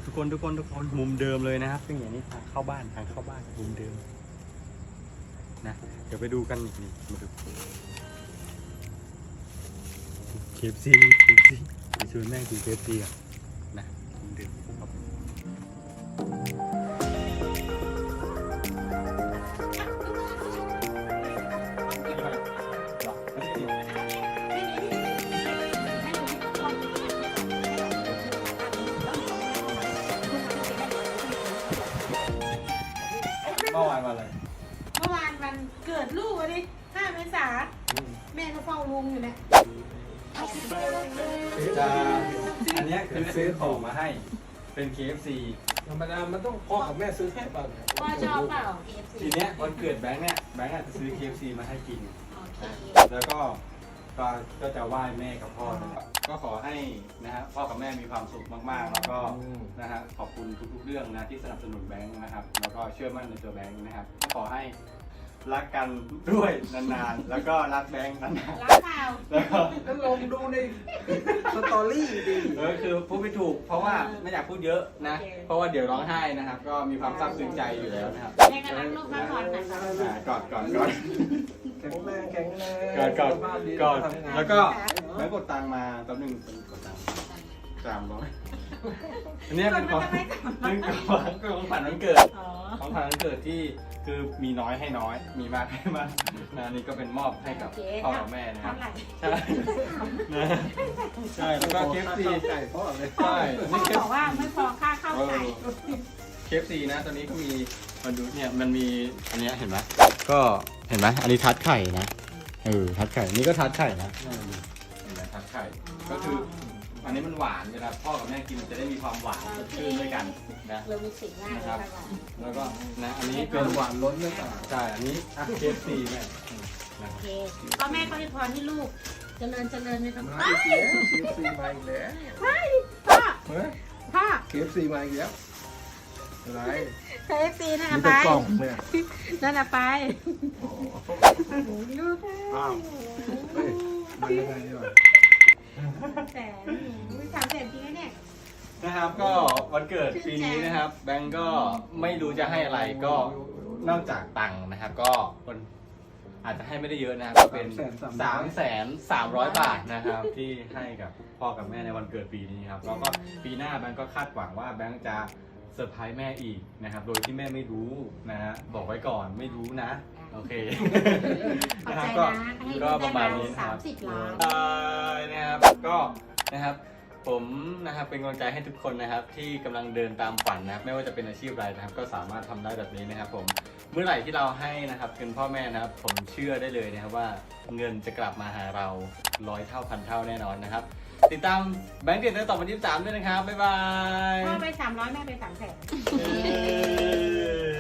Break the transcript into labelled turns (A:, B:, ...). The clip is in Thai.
A: ทุกคนมุมเดิมเลยนะครับเป็นอย่างนี้ทางเข้าบ้านมุมเดิมนะเดี๋ยวไปดูกันอีกนี่มาดูKFCไปชวนแม่กินKFCอ่ะนะมุมเดิมครับเมื่อวานวันอะไร
B: เมื่อวานวันเกิดลูกวันนี้5 เมษายนแม่ก็เฝ้าลุงอยู่เนี่ย
A: จะอันเนี้ยคือซื้อของมาให้เป็น KFC
C: ธรรมดามันต้องพ่อกับแม่ซื้อให้ป่ะ
B: พ่อชอบเปล่า KFC
A: ทีเนี้ยวันเกิดแบงค์เนี่ยแบงค์อาจจะซื้อ KFC มาให้กิน
B: โอเค
A: แล้วก็จะไหว้แม่กับพ่อนะครับก็ขอให้นะฮะพ่อกับแม่มีความสุขมากๆ แล้วก็นะฮะขอบคุณทุกๆเรื่องนะที่สนับสนุนแบงค์นะครับแล้วก็เชื่อมั่นในตัวแบงค์นะครับก็ขอให้รักกันด้วยนานๆแล้วก็รักแบงค์นาน
B: รักเปล่า
A: ๆแล้วก็
C: ก็ลงดูในสตอรี่ดิ
A: คือพูดไม่ถูกเพราะว่าไม่อยากพูดเยอะนะเพราะว่าเดี๋ยวร้องไห้นะครับก็มีความซาบซึ้งใจอยู่แล้วนะครับ
B: แม่ก็รักลูกรักหลานค่ะ
A: กอด
C: แข็งแรง
A: กอด
C: บ้านดี
A: แล้ว
C: ทำงาน
A: ก็แบงค์กดตังค์มาตอนหนึ่งกดตังค์300อันนี้เป็นของขวัญวันเกิด
B: อ๋อ
A: ของขวัญวันเกิดที่คือมีน้อยให้น้อยมีมากให้มากนะนี่ก็เป็นมอบให้กับพ่อกับแม่นะครับ
B: เท่าไหร่
A: ใช่นะใช่แล้วก็ KFC
C: ไก่พ่อเลย
A: ใช่
B: พ่อบอกว่าไม่พอค่าข้าวไก่
A: KFC นะตอนนี้ก็มีมาดูเนี่ยมันมีอันเนี้ยเห็นไหมก็เห็นไหมอันนี้ทัดไข่นะทัดไข่นี่ก็ทัดไข่นะเห็นไหมทัดไข่ก็คืออันนี้มันหวานเวลาพ่อกับแม่กินมันจะได้มีความหวานสดชื่นด้วยกันนะ
B: เรามีสิ่งง่ายเลยค่ะ
A: แล้วก็นะอันนี้
C: เป็
A: เป็น น
C: หวานล้นหรือเปล่า
A: ใช่อันนี้KFC แม่
B: โอเคพ่อแม่ก็ให้พรให้ลูกเจริญในธรรม
C: มาอีกแล้ว KFC มาอีกแล้ว
B: พ่อ
C: เฮ้ย
B: พ่อ
C: KFC มาอีกแล้วอะไร
B: KFC นะ
C: มี
B: ไป
C: แต่กล่องเนี่ย
B: นั่นน่ะไป ลูก
C: อ้าวเฮ้ยมันยังไงเนี่ย
B: แต่300,000จริงนะเนี่ย
A: นะครับก็วันเกิดปีนี้นะครับแบงก์ก็ไม่รู้จะให้อะไรก็นอกจากตังค์นะครับก็คนอาจจะให้ไม่ได้เยอะนะครับก็เป็น300,000 บาทนะครับที่ให้กับพ่อกับแม่ในวันเกิดปีนี้ครับแล้วก็ปีหน้าแบงก์ก็คาดหวังว่าแบงก์จะเซอร์ไพรส์แม่อีกนะครับโดยที่แม่ไม่รู้นะฮะบอกไว้ก่อนไม่รู้นะโอเค
B: ขอบ
A: นะค
B: ใจ
A: รับ
B: นะให้
A: ก็
B: ลูก
A: ประมา
B: ได้
A: ณ
B: มา
A: นี้นะครับ
B: 30 ล้าน
A: นะครับก็นะครับผมนะครับเป็นกำลังใจให้ทุกคนนะครับที่กำลังเดินตามฝันนะครับไม่ว่าจะเป็นอาชีพอะไรนะครับก็สามารถทำได้แบบนี้นะครับผมเมื่อไหร่ที่เราให้นะครับเงินพ่อแม่นะครับผมเชื่อได้เลยนะครับว่าเงินจะกลับมาหาเรา100 เท่าพันเท่าแน่นอนนะครับติดตามแบงค์เด็ดในต่อวันที่23ด้วยนะครับบ๊ายบาย
B: พ่อไป300แม่ไป300,000